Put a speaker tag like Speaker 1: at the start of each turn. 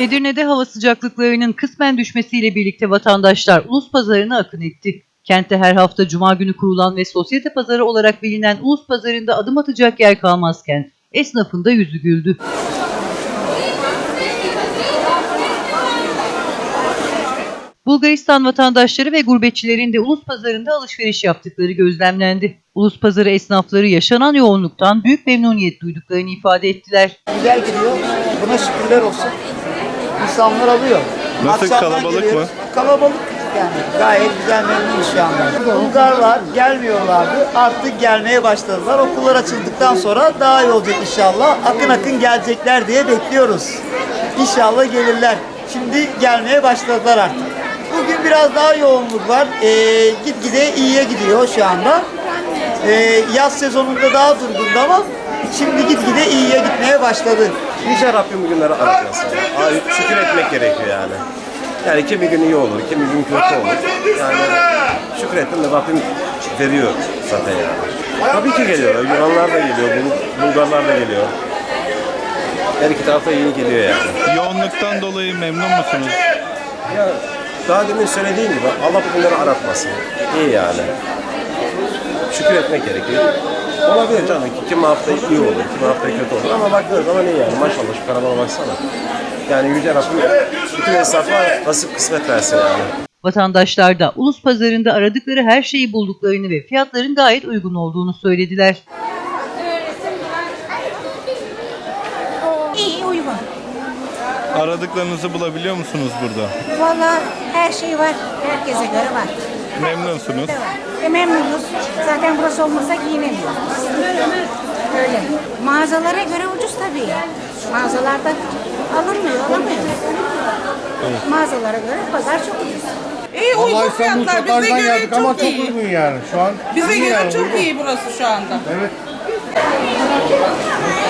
Speaker 1: Edirne'de hava sıcaklıklarının kısmen düşmesiyle birlikte vatandaşlar Ulus Pazarı'na akın etti. Kentte her hafta Cuma günü kurulan ve sosyete pazarı olarak bilinen Ulus Pazarı'nda adım atacak yer kalmazken esnafın da yüzü güldü. Bulgaristan vatandaşları ve gurbetçilerin de Ulus Pazarı'nda alışveriş yaptıkları gözlemlendi. Ulus Pazarı esnafları yaşanan yoğunluktan büyük memnuniyet duyduklarını ifade ettiler.
Speaker 2: Güzel gidiyor. Buna şükürler olsun. İnsanlar alıyor.
Speaker 3: Nasıl,
Speaker 2: Akşamdan
Speaker 3: kalabalık
Speaker 2: geliyoruz.
Speaker 3: mı?
Speaker 2: Kalabalık yani. Gayet güzel, memnunuz şu anda. Bulgarlar gelmiyorlardı. Artık gelmeye başladılar. Okullar açıldıktan sonra daha iyi olacak inşallah. Akın akın gelecekler diye bekliyoruz. İnşallah gelirler. Şimdi gelmeye başladılar artık. Bugün biraz daha yoğunluk var. Gitgide iyiye gidiyor şu anda. Yaz sezonunda daha durgundu ama şimdi gitgide iyiye gitmeye başladı.
Speaker 4: Yüce Rabbim bugünleri aratmasın. Şükür etmek gerekiyor yani. Yani kimi gün iyi olur, kimi gün kötü olur. Yani şükür ettim de Rabbim veriyor zaten yani. Tabii ki geliyor. Yunanlar da geliyor, Bulgarlar da geliyor. Her iki tarafta iyi geliyor yani.
Speaker 3: Yoğunluktan dolayı memnun musunuz?
Speaker 4: Ya daha demin söylediğim gibi Allah bugünleri aratmasın. İyi yani. Şükür etmek gerekiyor. Olabilir canım. Kimi hafta iyi olur, kimi hafta kötü olur ama baktığı zaman iyi yani. Maşallah şu karabana baksana. Yani Yüce Rabbim bütün esnafa nasip kısmet versin yani.
Speaker 1: Vatandaşlar da Ulus Pazarı'nda aradıkları her şeyi bulduklarını ve fiyatların gayet uygun olduğunu söylediler.
Speaker 5: İyi, uygun.
Speaker 3: Aradıklarınızı bulabiliyor musunuz burada?
Speaker 5: Vallahi her şey var. Herkese göre var.
Speaker 3: Memnunsunuz.
Speaker 5: Memnunuz. Zaten burası olmasa giyinemiyoruz. Öyle. Mağazalara göre ucuz tabii. Mağazalarda alamıyor. Evet. Mağazalara göre pazar çok ucuz.
Speaker 6: İyi uygun fiyatlar. Bize göre çok
Speaker 7: ama çok
Speaker 6: iyi.
Speaker 7: uygun yani şu an.
Speaker 6: Bize göre
Speaker 7: yani
Speaker 6: çok
Speaker 7: uygun.
Speaker 6: iyi burası şu anda.
Speaker 7: Evet.